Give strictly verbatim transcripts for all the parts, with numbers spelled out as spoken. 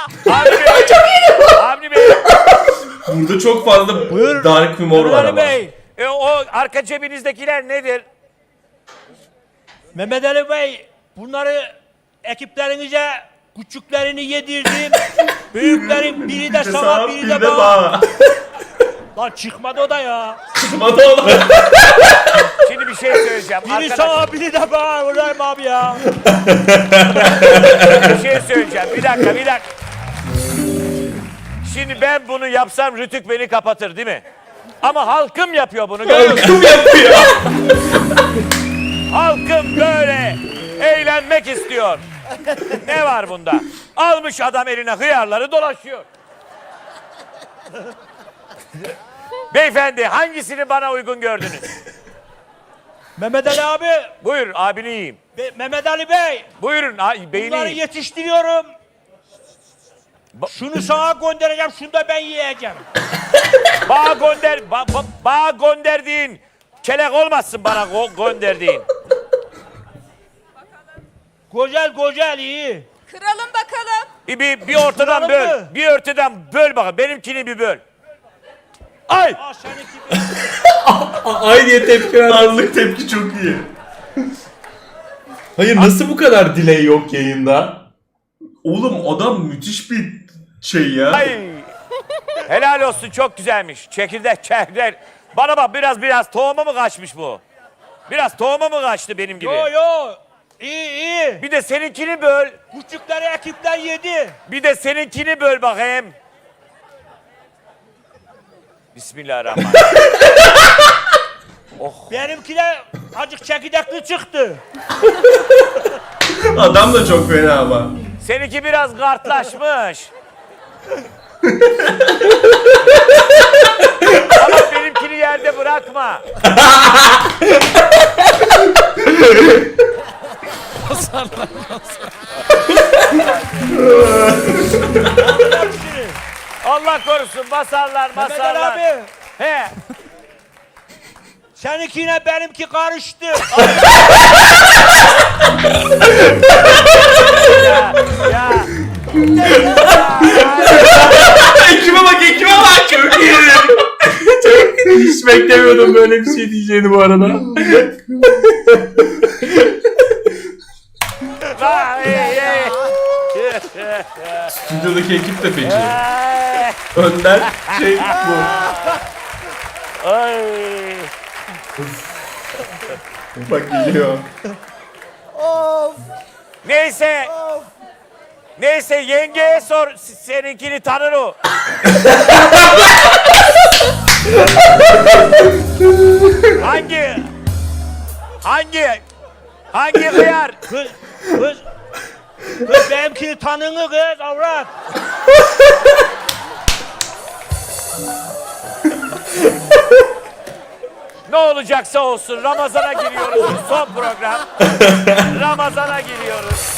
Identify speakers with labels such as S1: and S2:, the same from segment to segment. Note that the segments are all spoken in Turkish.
S1: Avni Bey. Çok iyi. Avni Bey.
S2: Burada çok fazla
S3: Buyur.
S2: dark humor var
S1: Avni
S2: ama.
S1: Bey. E, o arka cebinizdekiler nedir?
S3: Mehmet Ali Bey, bunları ekiplerinize küçüklerini yedirdim. Büyüklerin biri de sana, biri de bana. Lan çıkmadı o da ya.
S2: Çıkmadı o da.
S1: Şimdi bir şey söyleyeceğim.
S3: Biri
S1: Arkadaşlar,
S3: sana, biri de bana. Ulan abi ya.
S1: bir şey söyleyeceğim. Bir dakika, bir dakika. Şimdi ben bunu yapsam Rütük beni kapatır değil mi? Ama halkım yapıyor bunu. Görüyor musun?
S2: Halkım yapıyor.
S1: Halkım böyle eğlenmek istiyor. Ne var bunda? Almış adam eline hıyarları dolaşıyor. Beyefendi hangisini bana uygun gördünüz?
S3: Mehmet Ali abi.
S1: Buyur abini yiyeyim.
S3: Be- Mehmet Ali Bey.
S1: Buyurun a- beyni
S3: Bunları
S1: yiyeyim.
S3: yetiştiriyorum.
S1: Ba-
S3: Şunu sana göndereceğim, şunu da ben yiyeceğim.
S1: Bağ gönder, ba- ba- bağ gönderdiğin kelek olmasın bana go- gönderdiğin.
S3: Güzel güzel iyi.
S4: Kıralım bakalım.
S1: Bir, bir, bir ortadan
S3: Kıralım
S1: böl.
S3: mı?
S1: Bir ortadan böl bakalım. Benimkini bir böl. Ay!
S3: Aa seninki
S2: Ay diye tepki ver. Anlık tepki çok iyi. Hayır nasıl bu kadar delay yok yayında? Oğlum adam müthiş bir şey ya.
S1: Ay! Helal olsun çok güzelmiş. Çekirdek çekirdek. Bana bak biraz biraz tohuma mı kaçmış bu? Biraz tohuma mı kaçtı benim gibi?
S3: Yo yo. İyi iyi.
S1: Bir de seninkini böl.
S3: Küçükleri ekipler yedi.
S1: Bir de seninkini böl bakayım. Bismillahirrahmanirrahim.
S3: Benimki de azıcık çekirdekli çıktı.
S2: Adam da çok fena ama.
S1: Seninki biraz kartlaşmış. Ama benimkini yerde bırakma. Allah korusun basarlar
S3: Mehmet Ali
S1: basarlar.
S3: abi.
S1: He.
S3: Seninkiyle benimki karıştı.
S1: Ya. Ya.
S2: Ekibe bak ekibe bak çok iyi. Çok, hiç beklemiyordum böyle bir şey diyeceğini bu arada.
S1: Vay, ey, ey.
S2: Stüdyodaki ekip de feci.
S1: Ay.
S2: Önden şey bu.
S1: Ay.
S2: Bak geliyor.
S1: Neyse. Neyse yengeye sor s- seninkini tanır o. hangi hangi hangi hıyar?
S3: Kız, kız, kız benimkini tanını kız avrat.
S1: Ne olacaksa olsun Ramazan'a giriyoruz. Son program. Ramazan'a giriyoruz.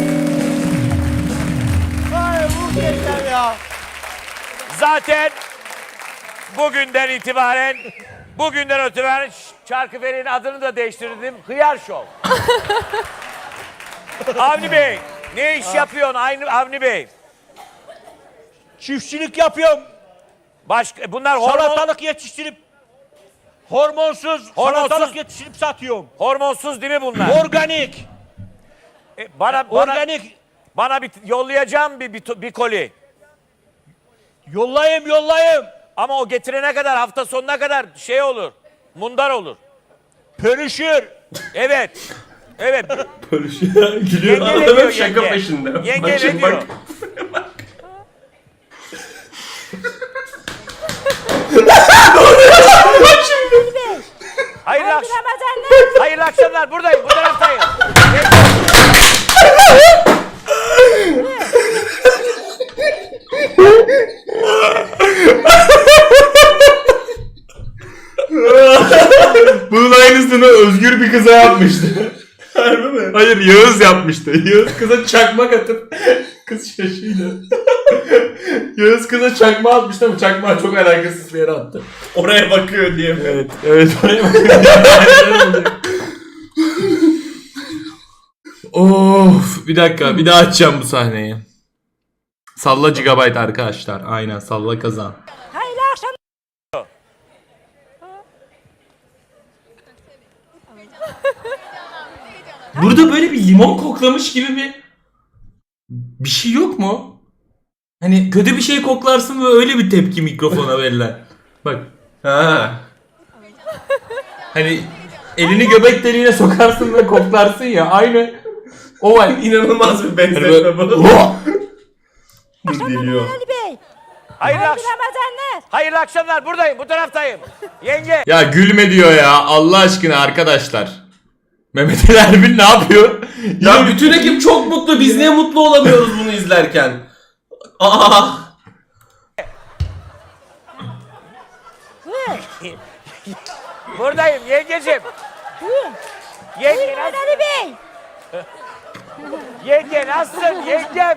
S3: Ay muhteşem ya.
S1: Zaten bugünden itibaren bugünden itibaren Çarkıferi'nin adını da değiştirdim. Hıyar Show. Avni Bey, ne iş yapıyorsun Aynı Avni Bey?
S3: Çiftçilik yapıyorum.
S1: Başka bunlar hormon,
S3: Salatalık yetiştirip hormonsuz,
S1: Hormonsuz.
S3: salatalık yetiştirip satıyorum.
S1: hormonsuz değil mi bunlar?
S3: Organik.
S1: E, bana bana
S3: Organik.
S1: bana bir yollayacağım bir, bir bir koli.
S3: Yollayayım yollayayım.
S1: Ama o getirene kadar hafta sonuna kadar şey olur. Mundar olur.
S3: Pörüşür.
S1: Evet. Evet.
S2: Böyle şey gülüyor.
S1: Yenge ne
S2: Adam
S1: diyor
S2: hep şaka
S1: yenge?
S2: peşinde.
S1: Yenge
S2: Bak
S1: ne
S2: şimdi
S1: diyor?
S2: bak.
S1: Hayırlı, akş-
S4: Ramazanlar.
S1: hayırlı akşamlar. Buradayım. Bu taraftayım.
S2: Bunun aynısını Özgür bir kıza yapmıştı. Harbi mi? Hayır Yağız yapmıştı. Yağız kıza çakmak atıp kız şaşıydı. Yağız kıza çakma atmıştı ama çakmağı çok alakasız bir yere attı. Oraya bakıyor diye. Evet, evet oraya bakıyor. Of bir dakika bir daha açacağım bu sahneyi. Salla gigabyte arkadaşlar. Aynen salla kazan.
S4: Hayırlı akşam.
S2: Burada böyle bir limon koklamış gibi bir bir şey yok mu? Hani kötü bir şey koklarsın ve öyle bir tepki mikrofona verilen. Bak. Ha. Hani elini göbek deliğine sokarsın ve koklarsın ya. Aynı o var.
S5: İnanılmaz bir benzetme bu. Dur geliyor.
S4: Ali Bey.
S1: Hayırlı,
S4: Hayırlı
S1: akş-
S4: Ramazanlar.
S1: hayırlı akşamlar. Buradayım. Bu taraftayım. Yenge.
S2: Ya gülme diyor ya Allah aşkına arkadaşlar. Mehmet Ali Erbil ne yapıyor?
S5: Ya bütün ekip çok mutlu. Biz niye mutlu olamıyoruz bunu izlerken? Aa!
S4: Buyur.
S1: Buradayım yengecim.
S4: Buyur.
S1: Yenge
S4: Buyurun
S1: nasılsın?
S4: Ali Bey.
S1: Yenge nasılsın? Yengem.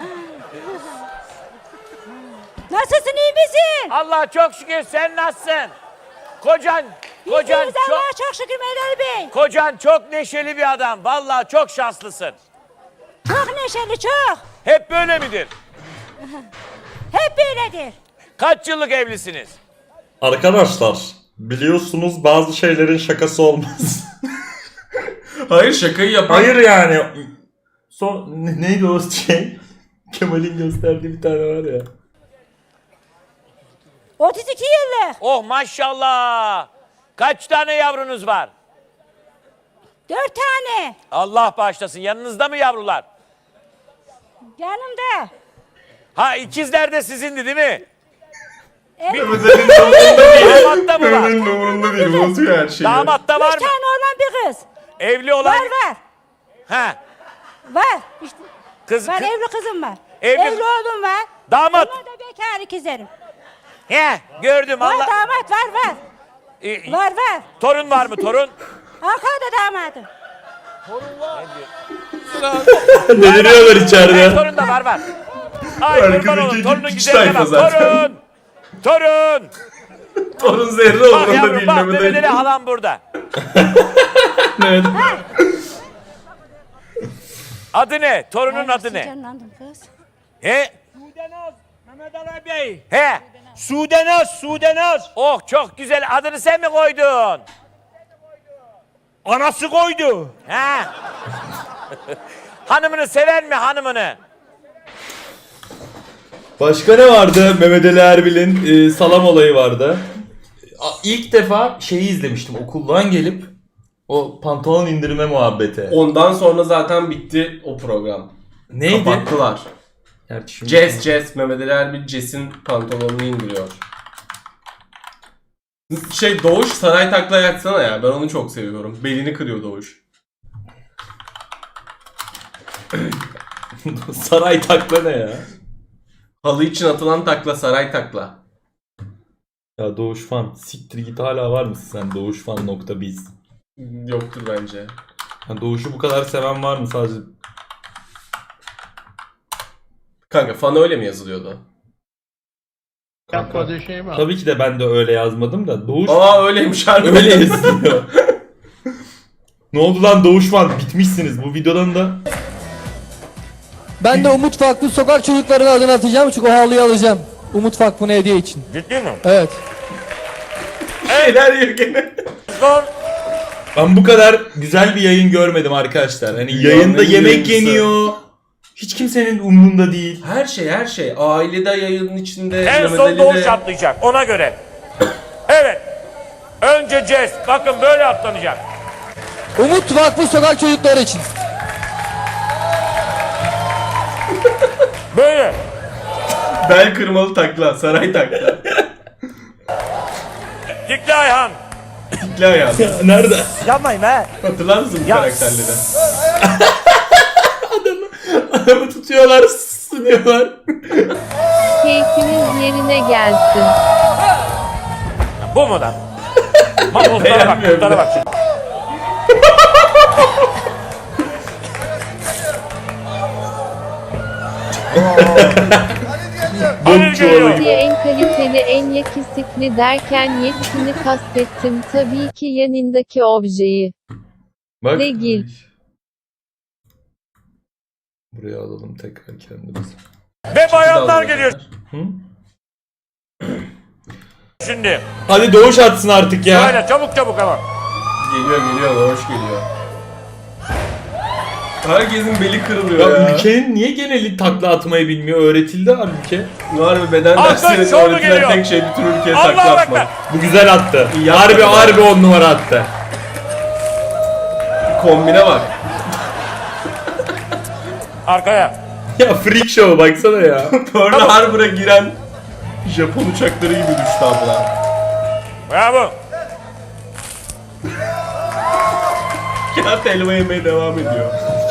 S4: Nasılsın, iyi misin?
S1: Allah çok şükür, sen nasılsın? Kocan, kocan
S4: İyiyiz
S1: çok,
S4: Allah'a çok şükür Mehmet Ali Bey.
S1: kocan çok neşeli bir adam. Vallahi çok şanslısın.
S4: Çok neşeli, çok.
S1: Hep böyle midir?
S4: Hep böyledir.
S1: Kaç yıllık evlisiniz?
S6: Arkadaşlar biliyorsunuz bazı şeylerin şakası olmaz.
S5: Hayır şakayı yapan.
S6: Hayır yani. Son ne- neydi o şey? Kemal'in gösterdiği bir tane var ya.
S4: otuz iki yıllık.
S1: Oh maşallah. Kaç tane yavrunuz var?
S4: Dört tane.
S1: Allah bağışlasın. Yanınızda mı yavrular?
S4: Yanımda.
S1: Ha ikizler de sizindi değil mi?
S5: Mehmet'in umurunda değil.
S1: Damatta mı var?
S5: Mehmet'in umurunda değil. Bozuyor her şeyi.
S1: Damatta var
S4: Üç
S1: mı?
S4: tane oğlan bir kız.
S1: Evli olan...
S4: Var var.
S1: Ha.
S4: Var. İşte,
S1: Kız,
S4: var
S1: kız-
S4: evli kızım var.
S1: Evli-
S4: Evli oğlum var.
S1: Damat.
S4: Onlar da bekar ikizlerim.
S1: He, gördüm
S4: Var
S1: Allah.
S4: damat var var.
S1: Ee,
S4: Var var.
S1: torun var mı torun?
S4: Arkada damadım.
S2: Deliriyorlar
S1: Evet,
S2: içeride.
S1: torun da var var. Ay kurban
S5: Arkadaki
S1: olun.
S5: iki
S1: Torunun
S5: küçük
S1: güzelliğine
S5: tayfa
S1: bak.
S5: zaten.
S1: Torun. Torun.
S5: Torun zerre
S1: Bak
S5: umurunda
S1: yavrum
S5: değil
S1: bak
S5: Mehmet
S1: Mehmet Ali
S5: Ali.
S1: halam burada.
S2: Evet.
S1: Adı ne? Torunun adı ne?
S4: Canlandım kız.
S1: He?
S3: Sudenaz, Mehmet Ali Bey.
S1: He.
S3: Sudenaz, Sudenaz.
S1: Oh çok güzel. Adını sen mi koydun?
S3: Anası koydu.
S1: He. Hanımını sever mi hanımını?
S2: Başka ne vardı? Mehmet Ali Erbil'in e, salam olayı vardı. A- İlk defa şeyi izlemiştim okuldan gelip o pantolon indirme muhabbeti.
S5: Ondan sonra zaten bitti o program.
S2: Neydi?
S5: Kapattılar.
S2: Gerçi şimdi-
S5: Jess Jess Mehmet Ali Erbil Jess'in pantolonunu indiriyor. Şey Doğuş saray takla yatsana ya. Ben onu çok seviyorum. Belini kırıyor Doğuş.
S2: Saray takla ne ya?
S5: Halı için atılan takla saray takla.
S2: Ya Doğuş Fan. Siktir git hala var mısın sen doğuşfan nokta biz?
S5: Yoktur bence.
S2: Ya Doğuş'u bu kadar seven var mı sadece?
S5: Kanka fan öyle mi yazılıyordu?
S2: Kanka. Tabii ki de ben de öyle yazmadım da Doğuş
S5: Aa öyleymiş harbi.
S2: öyle yazıyor. Ne oldu lan Doğuş Fan? Bitmişsiniz bu videodan da.
S7: Ben de Umut Vakfı sokak çocuklarının adını atacağım çünkü o havluyu alacağım. Umut Vakfı'na hediye için.
S1: Ciddi mi?
S7: Evet.
S5: Şeyler yiyor gene.
S1: Zor.
S2: Ben bu kadar güzel bir yayın görmedim arkadaşlar. Hani
S5: Dünyanın
S2: yayında
S5: en iyi
S2: yemek
S5: yayıncısı.
S2: yeniyor. Hiç kimsenin umrunda değil.
S5: Her şey her şey. Ailede yayının içinde.
S1: En
S5: Mehmet
S1: son
S5: Ali'de.
S1: Doğuş atlayacak ona göre. Evet. Önce Jess. Bakın böyle atlanacak.
S7: Umut Vakfı sokak çocukları için.
S1: Böyle.
S5: Bel kırmalı takla. Saray takla.
S1: Dikli Ayhan.
S5: Tikli ayağı.
S2: Nerede?
S3: Yapmayın be.
S5: Hatırlar mısın bu
S1: Ya.
S5: karakterleri?
S2: Adamı tutuyorlar, sınıyorlar.
S8: Keyfiniz yerine gelsin.
S1: Bu mu lan? Bak otlara bak,
S5: Beğenmiyorum
S1: otlara
S5: ben.
S1: bak şimdi. Halil geliyor.
S8: Diye en kaliteli en yakisitli derken yetkini kastettim tabii ki yanındaki objeyi.
S2: Bak.
S8: Regil.
S2: Buraya alalım tekrar kendimizi.
S1: Ve bayanlar
S5: dalga
S1: geliyor
S5: geçer.
S1: şimdi.
S2: Hadi Doğuş atsın artık ya.
S1: Böyle çabuk çabuk ama.
S5: Geliyor geliyor hoş geliyor. Herkesin beli kırılıyor
S2: Ya,
S5: ya.
S2: ülkenin niye geneli takla atmayı bilmiyor? Öğretildi halbuki.
S5: Var bir beden
S1: Alkış,
S5: derslerinde
S1: şov mu
S5: öğretilen
S1: geliyor?
S5: tek şey bütün ülkeye
S1: Allahu
S5: takla
S1: Ekber.
S5: atmak.
S2: Bu güzel attı.
S5: İyi yaptı
S2: Harbi
S5: ya.
S2: harbi on numara attı.
S5: Kombine bak.
S1: Arkaya.
S2: Ya freak show baksana ya.
S5: Pearl Harbor'a giren Japon uçakları gibi düştü abla.
S1: Bravo.
S5: Kağıt helva yemeye devam ediyor.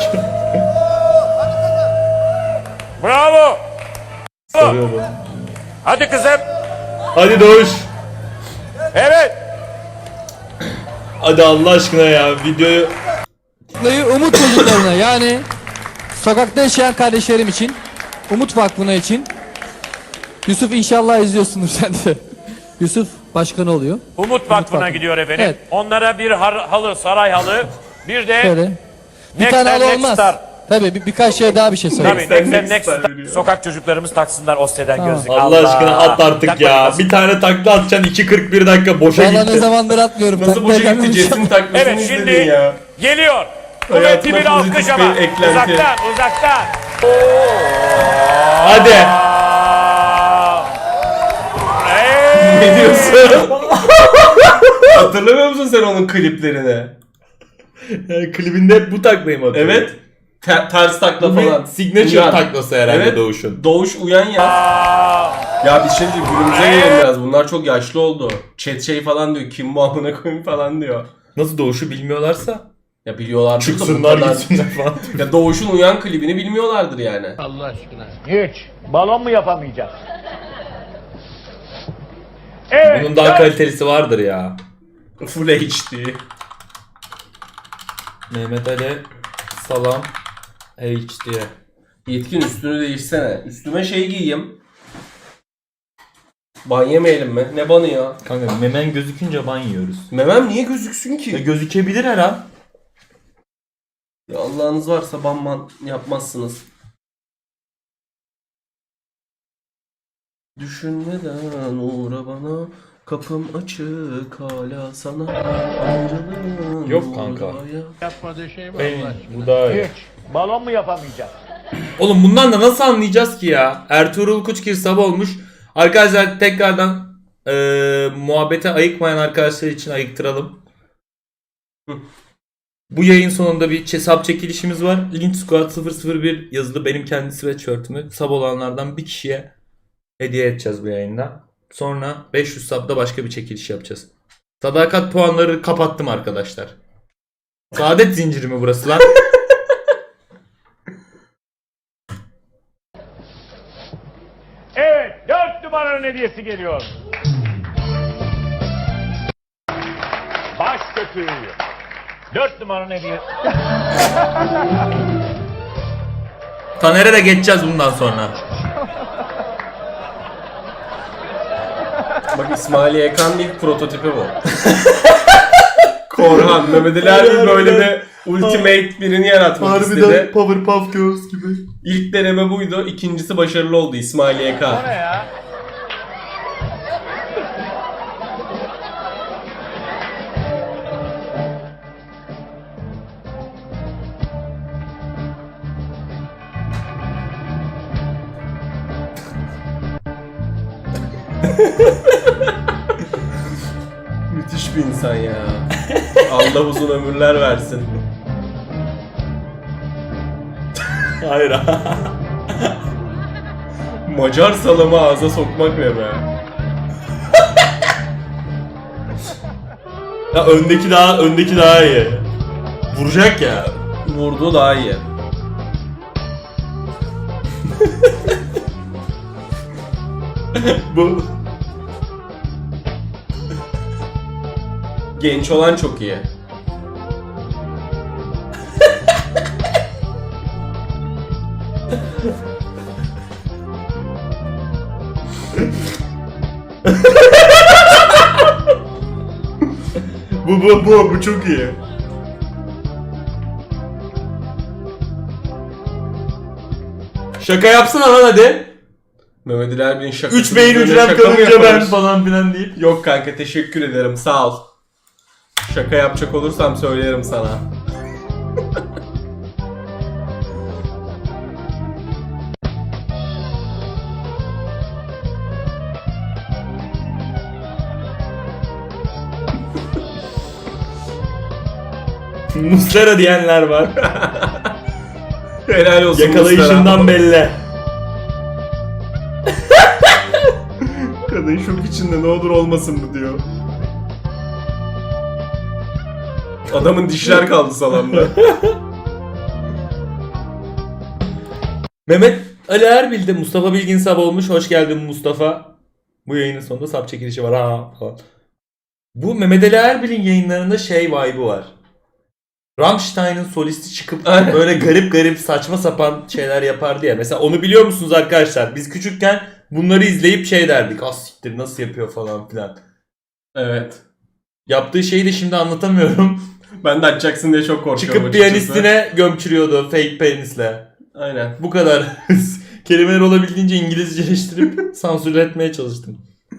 S1: Bravo.
S2: Sarıyor bu.
S1: Hadi kızım.
S2: Hadi Doğuş.
S1: Evet.
S2: Hadi Allah aşkına ya videoyu.
S7: Vakfı'yı umut çocuklarına yani sokakta yaşayan kardeşlerim için, Umut Vakfı'na için. Yusuf inşallah izliyorsundur sen de. Yusuf başkanı oluyor.
S1: Umut Vakfı'na
S7: Vakfı.
S1: gidiyor efendim.
S7: Evet.
S1: Onlara bir har- halı, saray halı. Bir de
S7: Böyle. Bir
S1: Next
S7: tane
S1: and
S7: halı
S1: Next
S7: olmaz.
S1: Star.
S7: Tabii bir, birkaç şey daha bir şey söyleyeyim.
S1: Tabii
S5: Next
S1: Next
S5: and
S1: and
S5: Next
S1: Next
S5: Star
S1: Star.
S5: veriyor.
S1: Sokak çocuklarımız taksınlar Oste'den
S7: Tamam.
S1: gözlük.
S2: Allah aşkına at artık
S1: Takmayın
S2: ya.
S1: nasıl?
S2: Bir tane takla atacaksın iki kırk bir dakika boşa
S7: Valla ne
S2: gitti.
S7: zamandır atmıyorum.
S5: Nasıl
S7: Takla
S5: boşa gitti
S7: gelmemiş.
S5: Jesse'nin takmasını
S1: Evet
S5: izledin
S1: şimdi
S5: ya.
S1: geliyor.
S5: Hayatıma
S1: Kuvvetli bir alkış
S5: pozitif
S1: ama.
S5: bir eklenti.
S1: Uzaktan uzaktan.
S2: Hadi.
S1: Aa! Hey!
S5: Ne diyorsun? Hatırlamıyor musun sen onun kliplerini?
S2: Yani klibinde hep bu taklayı mı atıyor?
S5: Evet. Te- ters takla
S2: Bu bir
S5: falan.
S2: signature
S5: Uyan.
S2: taklası herhalde
S5: Evet.
S2: Doğuş'un.
S5: Doğuş uyan ya.
S1: Aa!
S5: Ya bir şey değil günümüze gelelim biraz. Bunlar çok yaşlı oldu. Chat şey falan diyor. Kim bu amına koyayım falan diyor.
S2: Nasıl Doğuş'u bilmiyorlarsa
S5: Ya biliyorlardır da bu
S2: çıksınlar
S5: kadar-
S2: gitsinler falan.
S5: Ya Doğuş'un uyan klibini bilmiyorlardır yani.
S3: Hiç. Balon mu yapamayacağız? Evet.
S2: Bunun daha kalitelisi vardır ya.
S5: Full H D.
S2: Mehmet Ali Salam H D.
S5: Yetkin üstünü değişsene. Üstüme şey giyeyim. Ban yemeyelim mi? Ne banı ya?
S2: Kanka memen gözükünce ban yiyoruz.
S5: Memem niye gözüksün
S2: Ya
S5: ki?
S2: gözükebilir her an.
S5: Ya Allah'ınız varsa ban ban yapmazsınız. Düşünmeden uğra bana. Kapım açık hala sana. Ayrılığın
S2: Yok kanka.
S5: uğraya.
S3: Yapmadığı şey mi?
S2: Benim bu daha iyi.
S3: Hiç. Balon mu yapamayacağız?
S2: Oğlum bundan da nasıl anlayacağız ki ya? Ertuğrul Kuçgir sabah olmuş. Arkadaşlar tekrardan eee muhabbete ayıkmayan arkadaşlar için ayıktıralım.
S5: Hı.
S2: Bu yayın sonunda bir hesap çekilişimiz var. Link Squad sıfır sıfır bir yazılı benim kendi sweatshirt'ümü sub olanlardan bir kişiye hediye edeceğiz bu yayında. Sonra beş yüz sub'da başka bir çekiliş yapacağız. Sadakat puanları kapattım arkadaşlar. Saadet zinciri mi burası lan?
S1: Evet, dört numaranın hediyesi geliyor. Baş kötüğü. Dört numaranın hediyesi.
S2: Taner'e de geçeceğiz bundan sonra.
S5: Bak İsmail Yekan'ın ilk prototipi bu. Korhan, Mehmet Ali Erbil böyle bir ultimate birini yaratmak istedi.
S2: Powerpuff Girls gibi.
S5: İlk deneme buydu, ikincisi başarılı oldu İsmail Y K.
S1: O ne ya?
S5: Müthiş bir insan ya. Allah uzun ömürler versin.
S2: Hayır.
S5: Macar salamı ağza sokmak ne be?
S2: Ya öndeki daha öndeki daha iyi. Vuracak ya.
S5: Vurdu daha iyi.
S2: Bu
S5: Genç olan çok iyi.
S2: bu bu bu bu çok iyi. Şaka yapsana lan hadi.
S5: Mehmet Ali Erbil'in şakası.
S2: üç beyin
S5: Böyle
S2: hücrem
S5: şaka mı
S2: kalınca ben
S5: yaparız?
S2: falan filan deyip.
S5: Yok kanka teşekkür ederim sağ ol. Şaka yapacak olursam söylerim sana.
S2: Muslera diyenler var.
S5: Helal olsun
S2: Yakalayışından belli.
S5: Kadın şok içinde ne olur olmasın bu diyor. Adamın dişler kaldı salonda.
S2: Mehmet Ali Erbil de Mustafa Bilgin Sab olmuş. Hoş geldin Mustafa. Bu yayının sonunda sap çekilişi var ha falan. Bu Mehmet Ali Erbil'in yayınlarında şey vibe'ı var. Rammstein'ın solisti çıkıp böyle garip garip saçma sapan şeyler yapardı ya. Mesela onu biliyor musunuz arkadaşlar? Biz küçükken bunları izleyip şey derdik. Az siktir nasıl yapıyor falan filan.
S5: Evet.
S2: Yaptığı şeyi de şimdi anlatamıyorum.
S5: Ben de açacaksın diye çok korkuyorum
S2: Çıkıp
S5: açıkçası.
S2: piyanistine gömçürüyordu fake penisle.
S5: Aynen.
S2: Bu kadar. Kelimeler olabildiğince İngilizceleştirip sansür etmeye çalıştım.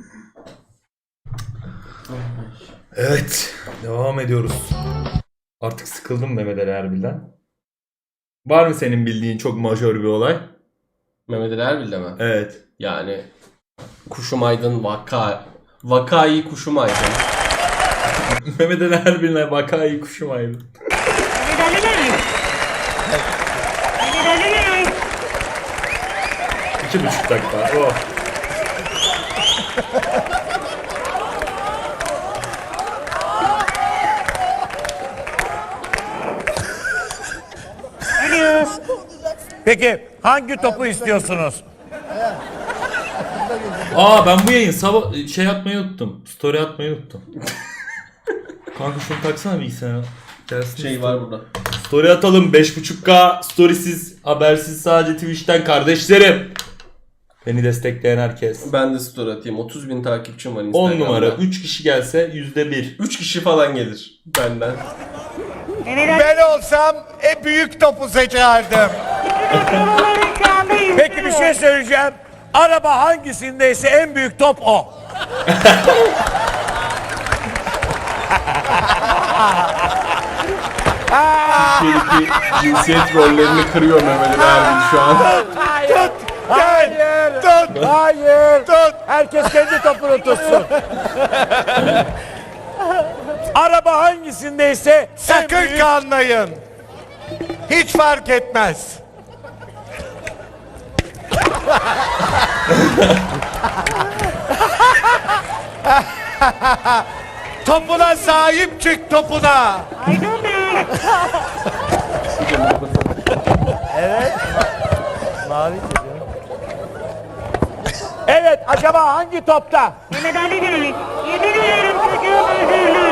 S2: Evet. Devam ediyoruz. Artık sıkıldım Mehmet Ali Erbil'den. Var mı senin bildiğin çok majör bir olay?
S5: Mehmet Ali Erbil'de mi?
S2: Evet.
S5: Yani Kuşum Aydın vaka. Vakayı Kuşum Aydın.
S2: Mehmet Ali Erbil'le vakayı kuşum ayrı. İki buçuk dakika. Oh.
S1: Peki hangi topu istiyorsunuz?
S2: Aa ben bu yayın sabah şey atmayı unuttum. Story atmayı unuttum. Kanka şunu taksana bilgisayara. Gelsin
S5: Şey
S2: story.
S5: var burada.
S2: Story atalım beş buçuk K storysiz habersiz sadece Twitch'ten kardeşlerim. Beni destekleyen herkes.
S5: Ben de story atayım. otuz bin takipçim var
S2: on
S5: Instagram'da.
S2: numara üç kişi gelse yüzde bir.
S5: üç kişi falan gelir benden.
S9: Ben olsam en büyük topu seçerdim.
S1: Peki bir şey söyleyeceğim. Araba hangisindeyse en büyük top o.
S5: Türkiye'deki cinsiyet rollerini kırıyor Mehmet Ali Erbil şu an.
S1: Hayır. Hayır. Tut. Hayır. Tut. Herkes kendi topunu tutsun. Araba hangisindeyse en
S9: Sakın
S1: büyük...
S9: kanmayın. Hiç fark etmez. Topuna sahip çık topuna.
S1: Evet, acaba hangi topta?
S4: Mehmet Ali Bey, yemin ederim çocuğum özürlü.